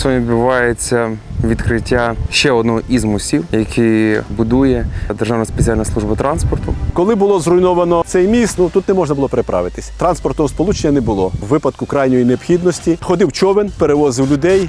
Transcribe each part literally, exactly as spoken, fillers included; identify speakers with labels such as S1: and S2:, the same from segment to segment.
S1: Сьогодні відбувається відкриття ще одного із мостів, який будує Державна спеціальна служба транспорту.
S2: Коли було зруйновано цей міст, ну тут не можна було переправитись. Транспортного сполучення не було. В випадку крайньої необхідності ходив човен, перевозив людей.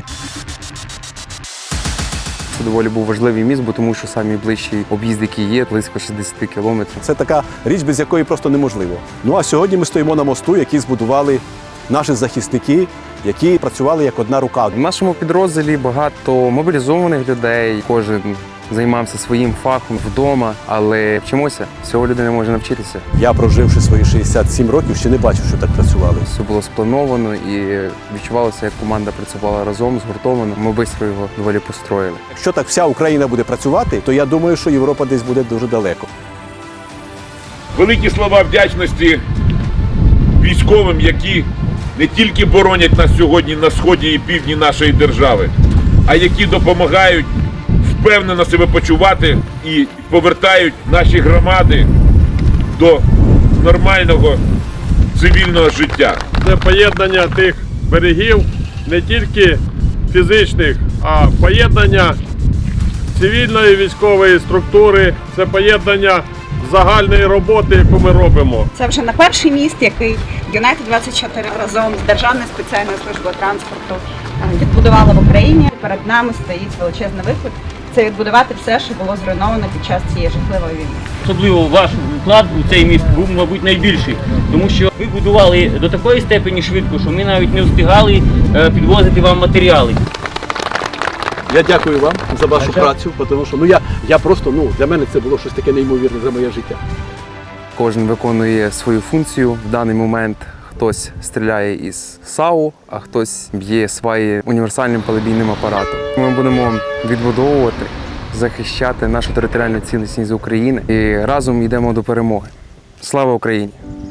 S1: Це доволі був важливий міст, бо тому що самий ближчий об'їзд, який є, близько шістдесят кілометрів.
S2: Це така річ, без якої просто неможливо. Ну а сьогодні ми стоїмо на мосту, який збудували наші захисники, які працювали як одна рука.
S1: В нашому підрозділі багато мобілізованих людей, кожен займався своїм фахом вдома, але вчимося, всього людина може навчитися.
S2: Я, проживши свої шістдесят сім років, ще не бачив, що так працювали.
S1: Все було сплановано і відчувалося, як команда працювала разом, згуртовано. Ми швидко його доволі построїли.
S2: Якщо так вся Україна буде працювати, то я думаю, що Європа десь буде дуже далеко.
S3: Великі слова вдячності військовим, які не тільки боронять нас сьогодні на сході і півдні нашої держави, а які допомагають впевнено себе почувати і повертають наші громади до нормального цивільного життя.
S4: Це поєднання тих берегів не тільки фізичних, а поєднання цивільної військової структури, це поєднання загальної роботи, яку ми робимо.
S5: Це вже не перший міст, який Юнайтед двадцять чотири разом з Державною спеціальною службою транспорту відбудувала в Україні. Перед нами стоїть величезний виклик – це відбудувати все, що було зруйновано під час цієї жахливої війни.
S6: Особливо ваш вклад у цей міст був, мабуть, найбільший, тому що ви будували до такої степені швидко, що ми навіть не встигали підвозити вам матеріали.
S2: Я дякую вам за вашу працю, тому що ну, я, я просто, ну, для мене це було щось таке неймовірне за моє життя.
S1: Кожен виконує свою функцію. В даний момент хтось стріляє із САУ, а хтось б'є свої універсальним палебійним апаратом. Ми будемо відбудовувати, захищати нашу територіальну цілісність України і разом йдемо до перемоги. Слава Україні!